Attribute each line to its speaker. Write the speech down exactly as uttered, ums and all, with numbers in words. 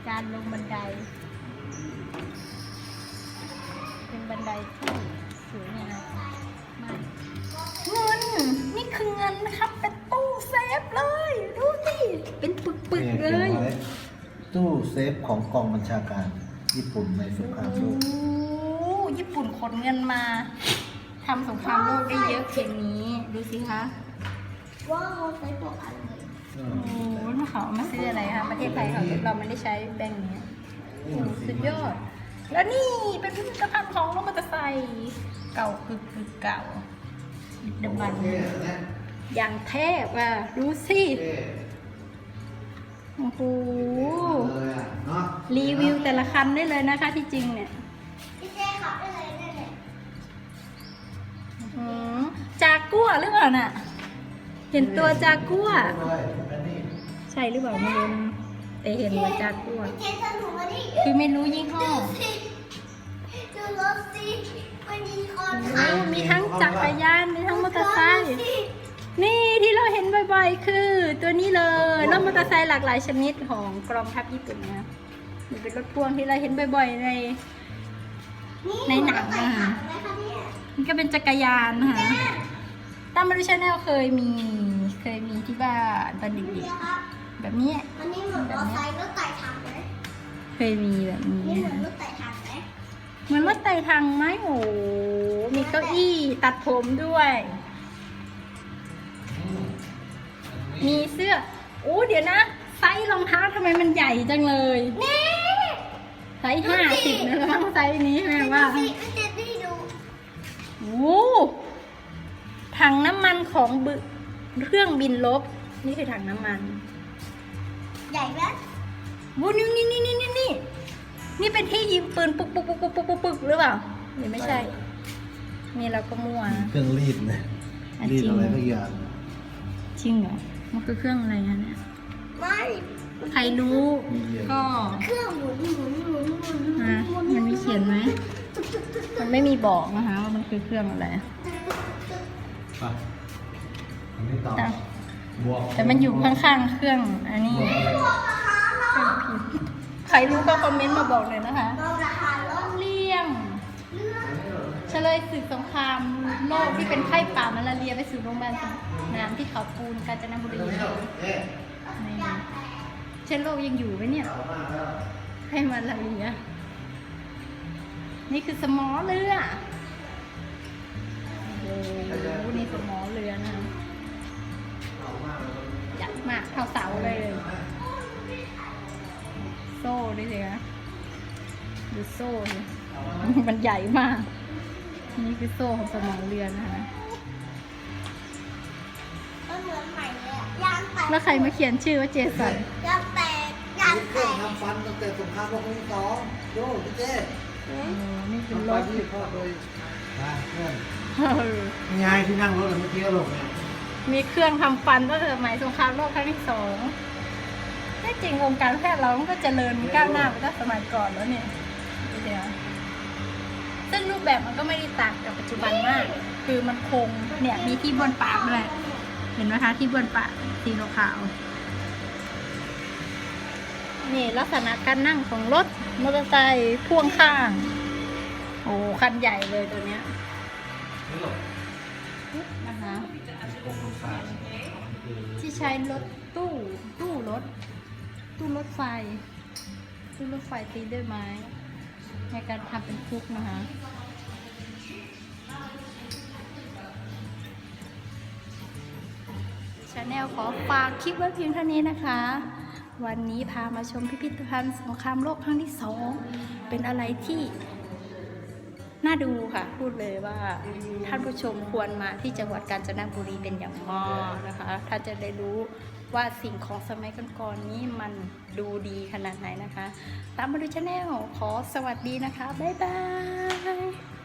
Speaker 1: การลงบันไดเป็นบันไดที่สวยงามมากเงินนี่คือเงินนะครับเป็นตู้เซฟเลยดูสิเป็นปึกๆเลย
Speaker 2: ตู้เซฟของกองบัญชาการญี่ปุ่นในสงครามโลก
Speaker 1: ญี่ปุ่นขนเงินมาทำสงครามโลกได้เยอะเพียงนี้ดูสิคะ
Speaker 3: ว้าวใช้ตัวอันเลย
Speaker 1: โอ้โหเขามาซื้ออะไรคะประเทศไทยเขาเราไม่ได้ใช้แบงค์นี้โอ้สุดยอดแล้วนี่เป็นพิพิธภัณฑ์ของรถมอเตอร์ไซค์เก่าคือคือเก่าดำมันอย่างเทพอ่ะดูสิโอ้โหรีวิวแต่ละคันได้เลยนะคะที่จริงเนี่ย
Speaker 3: พี่เจ๊ขับได้เลยได้เลย
Speaker 1: จากกัวหรือเปล่าน่ะเห็นตัวจากกัวใช่หรือเปล่าไม่รู้แต่เห็นว่าจากกัวคือไม่รู้ยี่ห้อ
Speaker 3: ดูรถสิมันมีคน
Speaker 1: มีทั้งจักรยานมีทั้งมอเตอร์ไซค์นี่ที่เราเห็นบ่อยๆคือตัวนี้เลยรถมอเตอร์ไซค์หลากหลายชนิดของกองทัพญี่ปุ่นนะนี่เป็นรถพ่วงที่เราเห็นบ่อยๆในในหนังนะคะนี่ก็เป็นจักรยานนะคะตามมาดูชาแนลเคยมีเคยมีที่บ้านตอนเด็กๆแบบนี้
Speaker 3: อันนี้เหมือนรถไฟรถไต่ถังไหม
Speaker 1: เคยมีแบบนี้
Speaker 3: นี่เหมือนรถไต่ถังไหม
Speaker 1: เหมือนรถไต่ถังไหมโอ้มีเก้าอี้ตัดผมด้วยมีเสื้อโอ้เดี๋ยวนะไซส์รองเท้าทำไมมันใหญ่จังเลย
Speaker 3: นี่
Speaker 1: ไซส์ห้าสิบนะแล้วมั้งไซส์นี้แม่ว่าโอ้ถังน้ำมันของเครื่องบินรบนี่คือถังน้ำมัน
Speaker 3: ใหญ่ไหม
Speaker 1: วูนี่นี่นี่นี่นี่นี่นี่เป็นที่ยิงปืนปุ๊กปุ๊กปุ๊กปุ๊กปุ๊กปุ๊กหรือเปล่าหรือไม่ใช่นี่เราก็มั่ว
Speaker 2: เครื่องรีดเลยรีดอะไรทุกอย่าง
Speaker 1: จริงเหรอมันคือเครื่องอะไรเนี่ย
Speaker 3: ไม่
Speaker 1: ใครรู้ก็
Speaker 3: เครื่องหมุนหมุนหมุนหมุนหมุน
Speaker 1: มันมีเขียนไหมมันไม่มีบอกนะคะว่ามันคือเครื่องอะไรแต่แต่มันอยู่ข้างๆเครื่องอันนี้ใครรู้ก็คอมเมนต์มาบอกเลยนะคะเลี่ยงเฉลยศึกสงครามโลกที่เป็นไข้ป่ามาลาเรียไปสู่โรงพยาบาลน้ำที่เขาปูนกาญจนบุรีเชื้อโรคยังอยู่ไหมเนี่ยไข้มาลาเรียนี่คือสมอเรือโอ้โหนี่สมอเรือนะใหญ่มากเท่าเสาเลยโซ่ด้วยสิคะดูโซ่ดิมันใหญ่มากนี่คือโซ่ของสมอเรือนะคะ
Speaker 3: มันเหมือนใหม่เลยยางแตก
Speaker 1: แล้วใครมาเขียนชื่อว่าเจสัน
Speaker 3: ยางแตกยางแตก
Speaker 2: ทำฟันตั้งแต่สงครามโลกครั้งที่สองโย่พี่เจ๊
Speaker 1: นี่คือรถ
Speaker 2: ที่พ่อโดยเพื่อนนี่ไงที่นั่งรถเมื่อกี้ก็ลงเนี่ย
Speaker 1: มีเครื่องทำฟันตั้งแต่สมัยสงครามโลกครั้งที่สองที่จริงวงการแพทย์เราก็เจริญก้าวหน้าไปตั้งสมัยก่อนแล้วเนี่ยเดี๋ยวซึ่งรูปแบบมันก็ไม่ได้ต่างกับปัจจุบันมากคือมันคงเนี่ยมีที่บนปากด้วยเห็นไหมคะที่บนปากสีขาวนี่ลักษณะการนั่งของรถมอเตอร์ไซค์พ่วงข้างโอ้คันใหญ่เลยตัวเนี้ยนะคะที่ใช้รถตู้ตู้รถตู้รถไฟตู้รถไฟตีด้วยไม้ในการทำเป็นคุกนะคะชาแนลขอฝากคลิปไว้เพียงเท่านี้นะคะวันนี้พามาชมพิพิธภัณฑ์สงครามโลกครั้งที่สองเป็นอะไรที่น่าดูค่ะพูดเลยว่าท่านผู้ชมควรมาที่จังหวัดกาญจนบุรีเป็นอย่างมากนะคะถ้าจะได้รู้ว่าสิ่งของสมัยก่อนๆนี้มันดูดีขนาดไหนนะคะตามมาดูชาแนลขอสวัสดีนะคะบ๊ายบาย